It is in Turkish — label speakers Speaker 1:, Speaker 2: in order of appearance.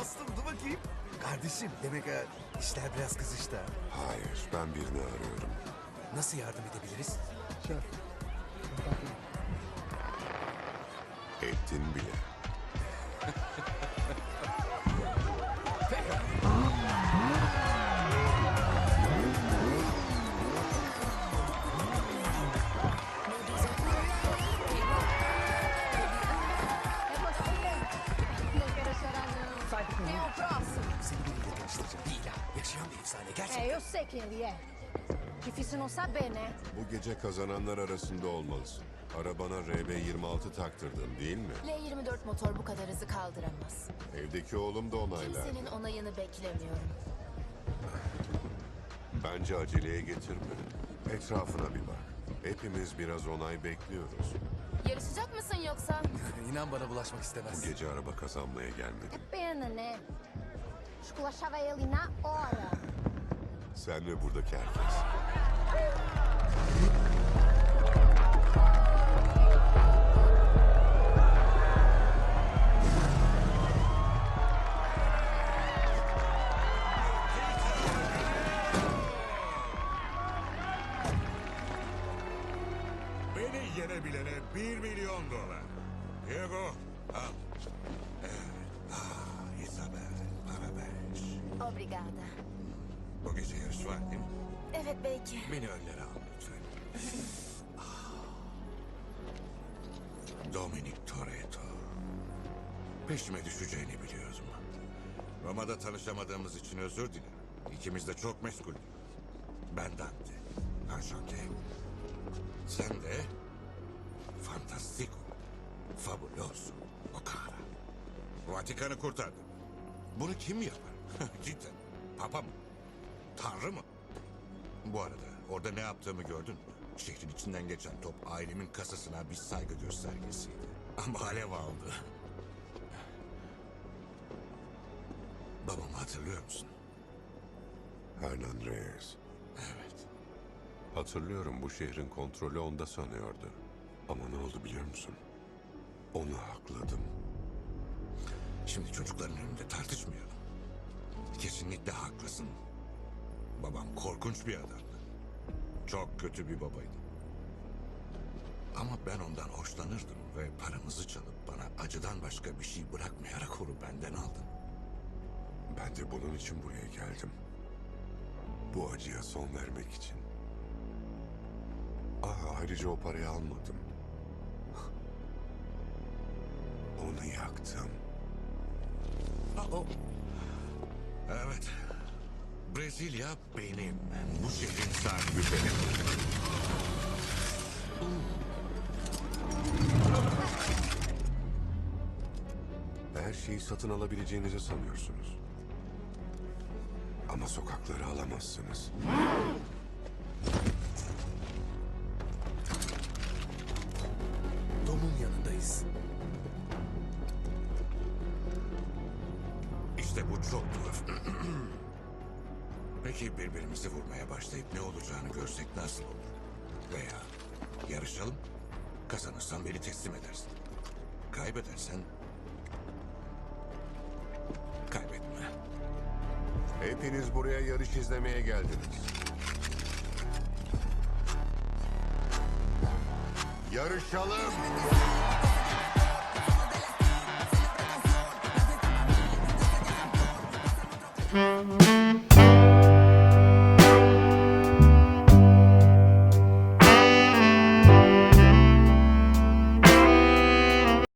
Speaker 1: dostum dur bakayım. Kardeşim demek ha işler biraz kızıştı. Ha.
Speaker 2: Hayır, ben birini arıyorum.
Speaker 1: Nasıl yardım edebiliriz?
Speaker 2: Ettin bile.
Speaker 3: Não quero chorar, não. Sai daqui. Quem é o próximo?
Speaker 1: Seni biriyle tanıştıracağım. Lila yaşayan bir efsane gerçekten.
Speaker 3: É, eu sei quem ele é. Difícil não saber, né?
Speaker 2: Bu gece kazananlar arasında olmalısın. Arabana RB26 taktırdın değil mi?
Speaker 4: L24 motor bu kadar hızı kaldıramaz.
Speaker 2: Evdeki oğlum da onaylar.
Speaker 4: Kimsenin onayını beklemiyorum.
Speaker 2: Bence aceleye getirme. Etrafına bir bak. Hepimiz biraz onay bekliyoruz.
Speaker 4: Yarışacak mısın yoksa?
Speaker 1: İnan bana bulaşmak istemez.
Speaker 2: Bu gece araba kazanmaya gelmedim.
Speaker 3: É pena, né? Esculachava ele na hora.
Speaker 2: Sen ve buradaki herkes.
Speaker 5: Beni yenebilene $1 milyon. Diego, al. Evet. Isabel, para ver.
Speaker 4: Obrigada.
Speaker 5: Bu gece yarış var değil mi?
Speaker 4: Evet belki.
Speaker 5: Beni önlere al lütfen. Dominic Toretto. Peşime düşeceğini biliyordum. Roma'da tanışamadığımız için özür dilerim. İkimiz de çok meşguldük. Ben Dante. Enchanté. Sen de Fantastico. Fabuloso. Okara. Vatikan'ı kurtardın. Bunu kim yapar? Cidden. Papa mı? Tanrı mı? Bu arada orada ne yaptığımı gördün mü? Şehrin içinden geçen top ailemin kasasına bir saygı göstergesiydi. Ama alev aldı. Babamı hatırlıyor musun?
Speaker 2: Hernan Reyes.
Speaker 5: Evet.
Speaker 2: Hatırlıyorum, bu şehrin kontrolü onda sanıyordu. Ama ne oldu biliyor musun? Onu hakladım.
Speaker 5: Şimdi çocukların önünde tartışmayalım. Kesinlikle haklısın. Babam korkunç bir adamdı. Çok kötü bir babaydı. Ama ben ondan hoşlanırdım ve paramızı çalıp bana acıdan başka bir şey bırakmayarak onu benden aldın.
Speaker 2: Ben de bunun için buraya geldim. Bu acıya son vermek için. Ayrıca o parayı almadım. Onu yaktım.
Speaker 5: O. Evet. Brezilya benim. Bu şehrin sahibi benim.
Speaker 2: Her şeyi satın alabileceğinizi sanıyorsunuz. Ama sokakları alamazsınız.
Speaker 1: Dom'un yanındayız.
Speaker 5: İşte bu çok tuhaf. Peki birbirimizi vurmaya başlayıp ne olacağını görsek nasıl olur? Veya yarışalım, kazanırsan beni teslim edersin. Kaybedersen... kaybetme.
Speaker 2: Hepiniz buraya yarış izlemeye geldiniz. Yarışalım!